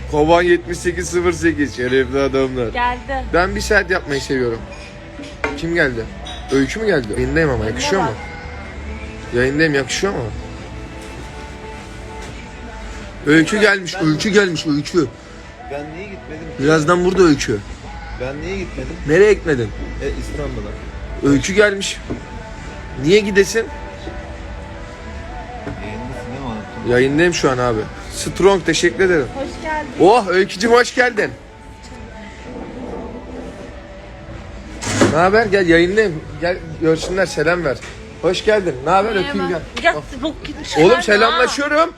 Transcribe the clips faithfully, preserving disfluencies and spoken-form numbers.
Kovan yetmiş sekiz sıfır sekiz. Şerefli adamlar. Geldi. Ben bir saat yapmayı seviyorum. Kim geldi? Öykü mü geldi? Yayındayım ama yakışıyor mu? Yayındayım yakışıyor mu? Öykü gelmiş, öykü gelmiş, öykü. Ben niye gitmedim? Birazdan burada öykü. Ben niye gitmedim? Nereye gitmedin? E İstanbul'a. Öykü gelmiş. Niye gidesin? Yayındasın değil mi? Unuttum. Yayındayım şu an abi. Strong teşekkür ederim. Hoş geldin. Oh Öykücüm hoş geldin. Ne haber? Gel yayındayım. Gel görsünler selam ver. Hoş geldin. Ne haber? Öpeyim gel. Ya bok gitmiş. Oğlum selamlaşıyorum.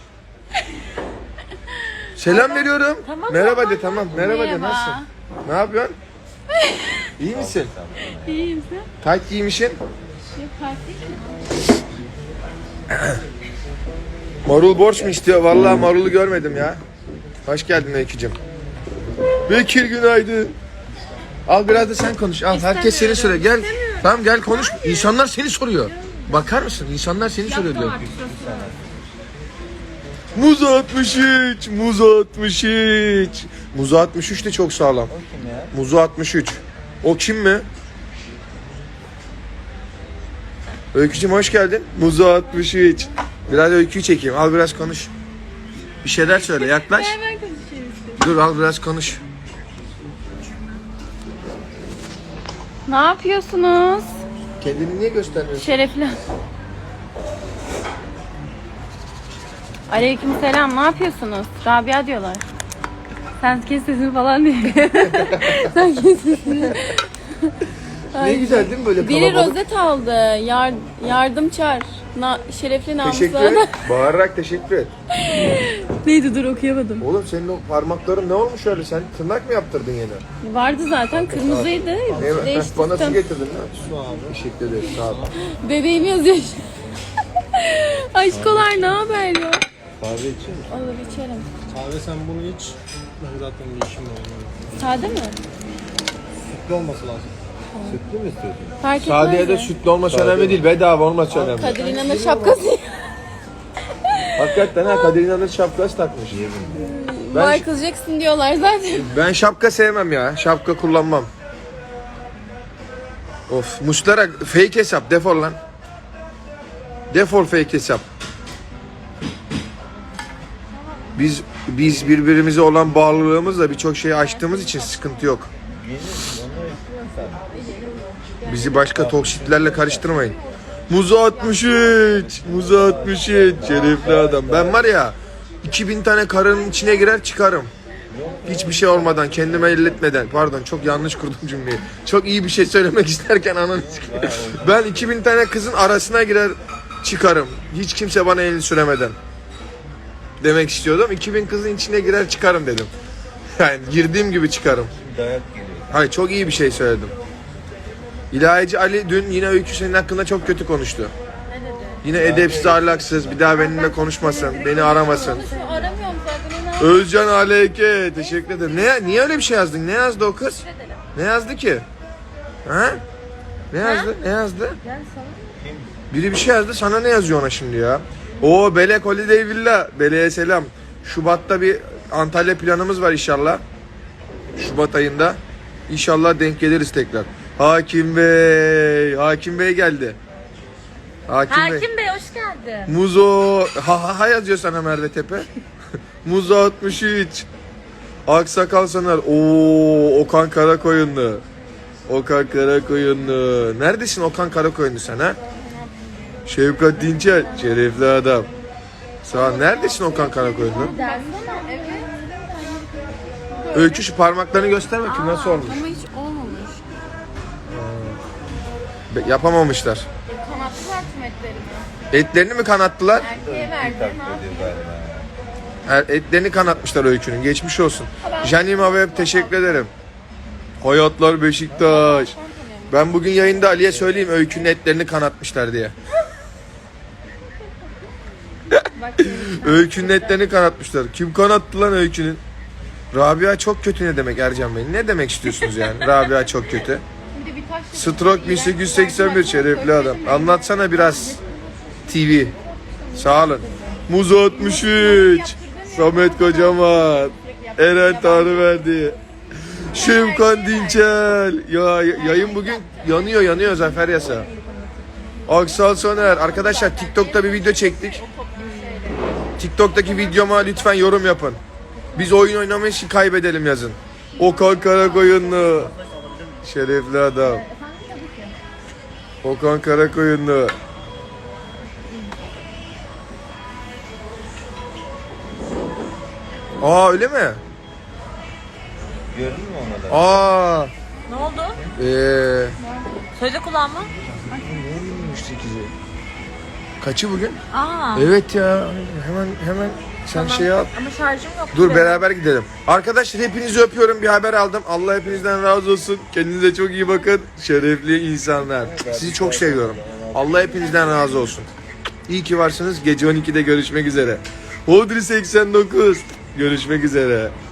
Selam veriyorum. Tamam, Merhaba tamam. de tamam. Merhaba, de Merhaba. nasılsın? Ne yapıyorsun? İyi misin? İyiyim sen. Tayt giymişsin. Yok fark değil mi? Marul borç mu istiyor? Vallahi marulu görmedim ya. Hoş geldin Öykücüm. Bekir günaydın. Al biraz da sen konuş. Al herkes seni soruyor. Gel. Tamam gel konuş. İnsanlar seni soruyor. Bakar mısın? İnsanlar seni soruyor diyor. Muz altmış üç. Muz altmış üç. Muz altmış üç de çok sağlam. O kim ya? Muzu altmış üç. O kim mi? Öykücüm hoş geldin. Muzu altmış üç. Biraz öyküyü çekeyim. Al biraz konuş. Bir şeyler söyle. Yaklaş. Hemen konuşayım işte. Dur al biraz konuş. Ne yapıyorsunuz? Kendini niye göstermiyorsun? Şerefli. Aleyküm selam. Ne yapıyorsunuz? Rabia diyorlar. Sen kes sesini falan diye. Sen kes sesini. Ne güzel değil mi böyle Biri kalabalık? rozet aldı. Yar, yardım çağır. Na, şerefli namuslu Teşekkür adam. et. Bağırarak teşekkür et. Neydi dur okuyamadım. Oğlum senin o parmakların ne olmuş öyle? Sen tırnak mı yaptırdın yine? Vardı zaten kırmızıydı. Ne, bana su Değiştirdim. getirdin lan. Su abi. Teşekkür ederim. Sağ ol. Bebeğim yazıyor. Aşkolar ne haber ya? Kahve içiyor musun? Olur içerim. Kahve sen bunu iç. Ben zaten bir işim var. Sade mi? Sütlü olması lazım. Sütlü mü istiyorsun? Fark etmez. Sadeye de de. sütlü olması önemli değil. Bedava olması önemli. Kadir İnanır şapkası. Hakikaten ha Kadir İnanır şapkası takmış. Ben, Michael Jackson diyorlar zaten. ben şapka sevmem ya. Şapka kullanmam. Of Muslera fake hesap defol lan. Defol fake hesap. Biz biz birbirimize olan bağlılığımızla birçok şeyi aştığımız için sıkıntı yok. Bizi başka toksitlerle karıştırmayın. Muzu altmış üç. Muzu altmış üç. Şerefli adam. Ben var ya iki bin tane karının içine girer çıkarım. Hiçbir şey olmadan, kendime elletmeden. Pardon çok yanlış kurdum cümleyi. Çok iyi bir şey söylemek isterken ananı sikeyim. Ben iki bin tane kızın arasına girer çıkarım. Hiç kimse bana elini süremeden. Demek istiyordum. iki bin kızın içine girer çıkarım dedim. Yani girdiğim gibi çıkarım. Dayak geliyor. Hayır çok iyi bir şey söyledim. İlahici Ali dün yine Öykü senin hakkında çok kötü konuştu. Ne dedi? Yine edepsiz, ahlaksız, bir daha benimle konuşmasın, beni aramasın. Aramıyorum zaten. Özcan Aleyke, teşekkür ederim. Ne, niye öyle bir şey yazdın? Ne yazdı o kız? Ne yazdı ki? Ha? Ne yazdı? Ne yazdı? Biri bir şey yazdı, sana ne yazıyor ona şimdi ya? Oo Belek Holiday Villa, Belek'e selam. Şubat'ta bir Antalya planımız var inşallah. Şubat ayında. İnşallah denk geliriz tekrar. Hakim Bey, Hakim Bey geldi. Hakim, Bey. Hakim Bey hoş geldin. Muzo, ha ha ha yazıyor sana Merve Tepe. Muzo altmış üç. Aksakal Soner. Oo Okan Karakoyunlu. Okan Karakoyunlu. Neredesin Okan Karakoyunlu sen ha? Şevkat Dinçer. Şerefli adam. Sağ ol. Neredesin Okan Karakoyunlu? Dersene evet. Öykü şu parmaklarını göster bakayım nasıl olmuş. Ama hiç olmamış. Be- Yapamamışlar. Kanatlılar tüm etlerimi. Etlerini mi kanattılar? Erkeğe verdi. Taklit ediyor galiba. Er- Etlerini kanatmışlar Öykü'nün. Geçmiş olsun. Janima Web teşekkür ederim. Hayatlar Beşiktaş. Ben bugün yayında Ali'ye söyleyeyim Öykü'nün etlerini kanatmışlar diye. Öykü'nün etlerini kanatmışlar. Kim kanattı lan Öykü'nün? Rabia çok kötü ne demek Ercan Bey? Ne demek istiyorsunuz yani? Rabia çok kötü. Şimdi bir taş Stroke bin sekiz yüz seksen bir şerefli adam. Anlatsana biraz T V. Sağ olun. Muz altmış üç. Samet Kocaman. Eren Tanrıverdi. Şevkan Dinçel. Ya yayın bugün yanıyor yanıyor Zafer Yasa. Aksal Soner. Arkadaşlar TikTok'ta bir video çektik. TikTok'taki videoma lütfen yorum yapın. Biz oyun oynamayı için kaybedelim yazın. Okan Karakoyunlu. Şerefli adam. Okan Karakoyunlu. Aa öyle mi? Gördün mü onları? Aa. Ne oldu? Eee. Sözde kulağın mı? Kaçı bugün? Aa. Evet ya. Hemen hemen sen şey al. Ama şarjım yok. Dur beraber gidelim. Arkadaşlar hepinizi öpüyorum. Bir haber aldım. Allah hepinizden razı olsun. Kendinize çok iyi bakın. Şerefli insanlar. Sizi çok seviyorum. Allah hepinizden razı olsun. İyi ki varsınız. Gece on ikide görüşmek üzere. Hodri seksen dokuz. Görüşmek üzere.